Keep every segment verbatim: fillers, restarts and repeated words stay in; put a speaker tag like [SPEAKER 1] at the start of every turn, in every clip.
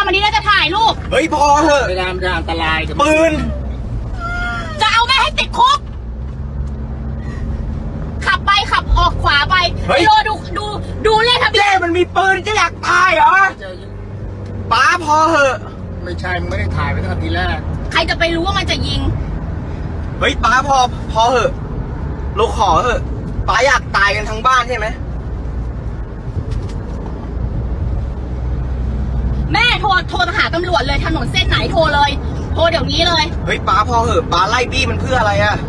[SPEAKER 1] ำอันนี้แล้วจะถ่ายรูป
[SPEAKER 2] เฮ้ยพอเหอะ
[SPEAKER 3] เวลามันจะอันตราย
[SPEAKER 2] ปืน
[SPEAKER 1] จะเอาแม่ให้ติดคุกขับไปขับออกขวาไปโลดูดูดูเลขทะเบียน
[SPEAKER 2] เจ๊มันมีปืนจะอยากตายเหรอป้าพอเหอะ
[SPEAKER 3] ไม่ใช่มึงไม่ได้ถ่ายไว้ตั้งแต่ทีแรก
[SPEAKER 1] ใครจะไปรู้ว่ามันจะยิง
[SPEAKER 2] เฮ้ยป้าพอพอเหอะเราขอเหอะป้าอยากตายกันทั้งบ้านใช่ไหม
[SPEAKER 1] แม่โทรโทรหาตำรวจเลยถนนเส้นไหนโทรเลยโทรเดี๋ยวนี้เลย
[SPEAKER 2] เฮ้ยป้าพอเหอะป้าไล่บี้มันเพื่ออะไรอะ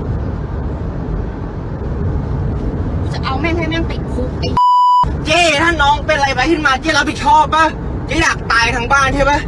[SPEAKER 1] จะเอาแม่งให้แม่งติดคุกไอ้
[SPEAKER 2] เจ๊ถ้าน้องเป็นอะไรไปขึ้นมาเจ๊รับผิดชอบปะเจ๊อยากตายทั้งบ้านใช่ปะ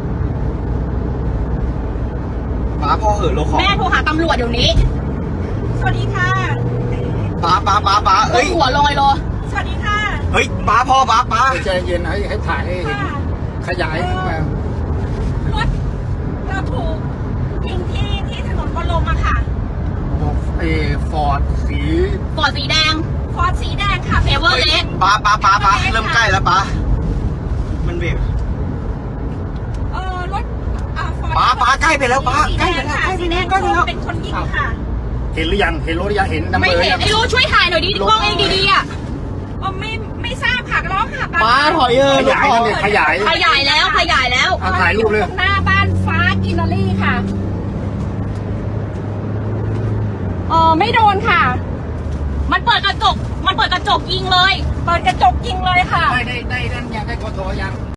[SPEAKER 2] ป้าพอเหอะเราขอ
[SPEAKER 1] แม่โทรหาตำรวจเดี๋ยวนี้สวัสดีค่ะ
[SPEAKER 2] ป้าป้าป้าป้าเอ้ย
[SPEAKER 1] หัวลอยโลสวัสดีค่ะ
[SPEAKER 2] เฮ้ยป้าพอป้าป้า
[SPEAKER 3] ใจเย็นให้ให้ถ่ายให้เห็นขยายมาร
[SPEAKER 4] ถเราถูกยิงที่ที่ถนนบรมอะค่ะ
[SPEAKER 3] เอฟอร์ดสี
[SPEAKER 1] ฟอร์ดสีแดง
[SPEAKER 4] ฟอร์ดสีแดงค่ะ
[SPEAKER 1] เอเวอร์เลส
[SPEAKER 2] ป้าป้าป้าป้าเริ่มใกล้แล้วป้ามันเบรก
[SPEAKER 4] เออรถอ่าฟอร์ด
[SPEAKER 2] ป้าป้าใกล้ไปแล้วป้าใกล้ไปแล้วใกล้ไปแล้วใกล้ไปแล้ว
[SPEAKER 4] เป็นคนยิงค่ะ
[SPEAKER 3] เห็นหรือยังเห็นรถหรือยังเห็นน้ำเบอร์
[SPEAKER 1] ไม่เห็นไอ้รู้ช่วยถ่ายหน่อยดิกล้องเองดีๆอ่ะ
[SPEAKER 4] อ๋อไม่ไม่ทราบค่ะร้องค่ะ
[SPEAKER 2] ป้าถอยเออ
[SPEAKER 3] ขยายนั่นเลยขยาย
[SPEAKER 1] ขยายแล้วขยายแล้ว
[SPEAKER 3] ถ่ายรูปเลย
[SPEAKER 4] หน้าบ้านฟ้ากินนารีค่ะอ๋อไม่โดนค่ะ
[SPEAKER 1] มันเปิดกระจกมันเปิดกระจกยิงเลย
[SPEAKER 4] เปิดกระจกยิงเลยค่ะ
[SPEAKER 3] ได้ได้ได้นั่นยังได้กทยัง